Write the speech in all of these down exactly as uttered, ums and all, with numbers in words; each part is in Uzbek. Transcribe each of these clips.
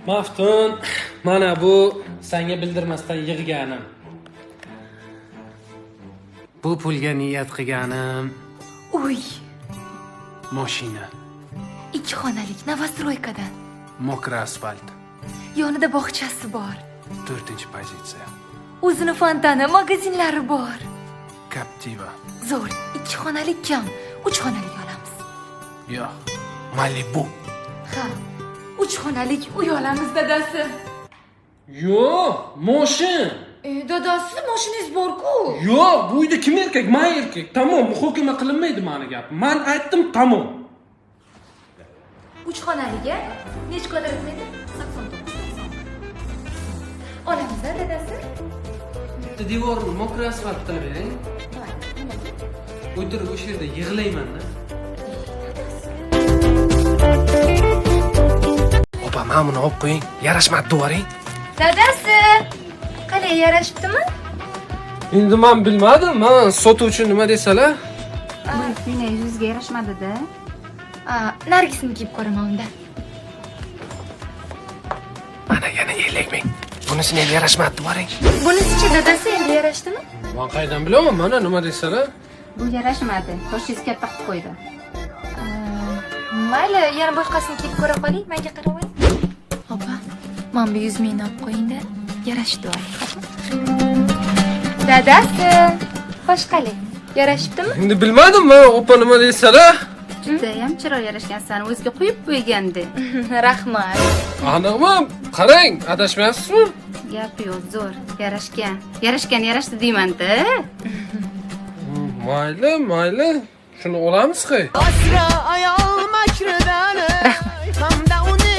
Maftun, mana bu senga bildirmasdan yig'ganim. Bu pulga niyat qilganim Uy, mashina, ikki xonalik Novostroykadan. mokra asfalt, Yonida bog'chasi bor. to'rtinchi pozitsiya. O'zini fontani, magazinlari bor. Captiva. Zo'r, ikki xonalik kam, uch xonalik olamiz. Yo'q, Malibu. Ha, uch xonalik uy olamiz dadasi. Yo'q, moshin. E, dadasi, mashinangiz bor-ku. Yo'q, bu uyda kim erkak? Men erkak. Tamom, muhokama qilinmaydi mani gapim. Men aytdim, tamom. uch xonaliga necha kvadrat metr? sakson to'qqiz. Olamiz-da dadasi. Bitta devorni mokra asfalt qilib bering. O'tirib o'sha yerda yig'layman-da. Opa, mana buni olib qo'ying. Yarashmadi devoring. Dadasi, qalay yarashibdimi? Endi men bilmadim. Men sotuvchi nima desalar, Bu shunday yuzga yarashmadi-da. A, Nargisni kiyib ko'raman unda. mana yana ellik ming. Bunisini ham yarashmadi devoring. Bunisi-chi dadasi endi yarashdimi? Men qaydan bilaman? Mana nima desalar. Bu yarashmadi. Qoshingiz katta qilib qo'ydi. Mayli, yana boshqasini kiyib ko'ra qoling, menga qaramang. Opa, men bu yuz mingni olib qo'ying-da, yarashdi oling. Dadasi, xo'sh qalay, yarashibdimi? Endi bilmadim, men opa nima desalar. Judayam chiroyli yarashgansan. O'ziga qo'yib qo'ygandi. Rahmat. Aniqmi? Qarang, adashmayapsizmi? Gap yo'q, zo'r. Yarashgan. Yarashgan, yarashdi deyman-da. Mayli, mayli. Shuni olamiz-ku. Asra ayol makridan hamda uni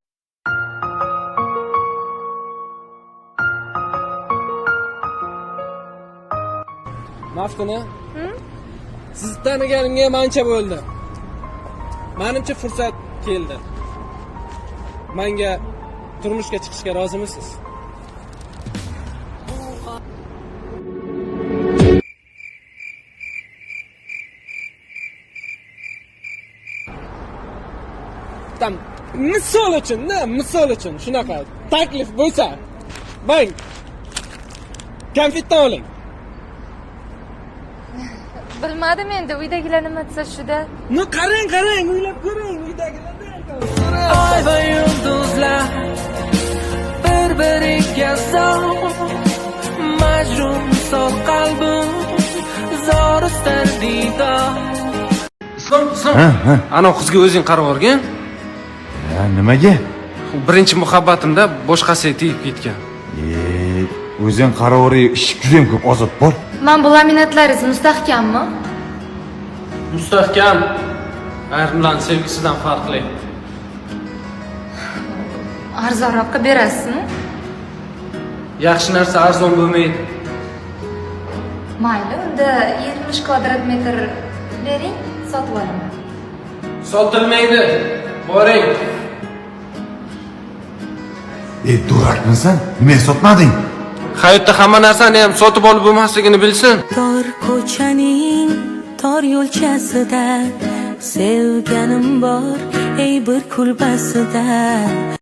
Maftuna? Sizni taniganimga ham ancha bo'ldi. Menimcha fursat keldi. Menga turmushga chiqishga rozimisiz? Tam misol uchun, ne, misol uchun shunaqa taklif bo'lsa, bang. Konfetdan oling. Bilmadim endi uydagilar nima desa shuda. Nu qarang, qarang, o'ylab ko'ring, uydagilardan. Ay va yulduzlar bir-biriga zor, majnun sof qalbim zor istar diydor. Islom, Islom. Ana qizga o'zing qarab o'rgan. Ha, nimaga? Birinchi muhabbatimda boshqasiga tegib ketgan. E, o'zing qarovri ish juda ham ko'p ozod bor. Men bu laminatlaringiz mustahkammi? Mustahkam. Ayrimlarning sevgisidan farqli. Arzonroqqa berasizmi? Yaxshi narsa arzon bo'lmaydi. Mayli, unda yetmish kvadrat metr bering, sotib olaman. Sotilmaydi. Boring. E, durakmisan? Nimaga sotmading? Hayotda hamma narsani ham sotib olib bo'lmasligini bilsin. Tor ko'chaning tor yo'lchasida sevganim bor, ey bir kulbasida.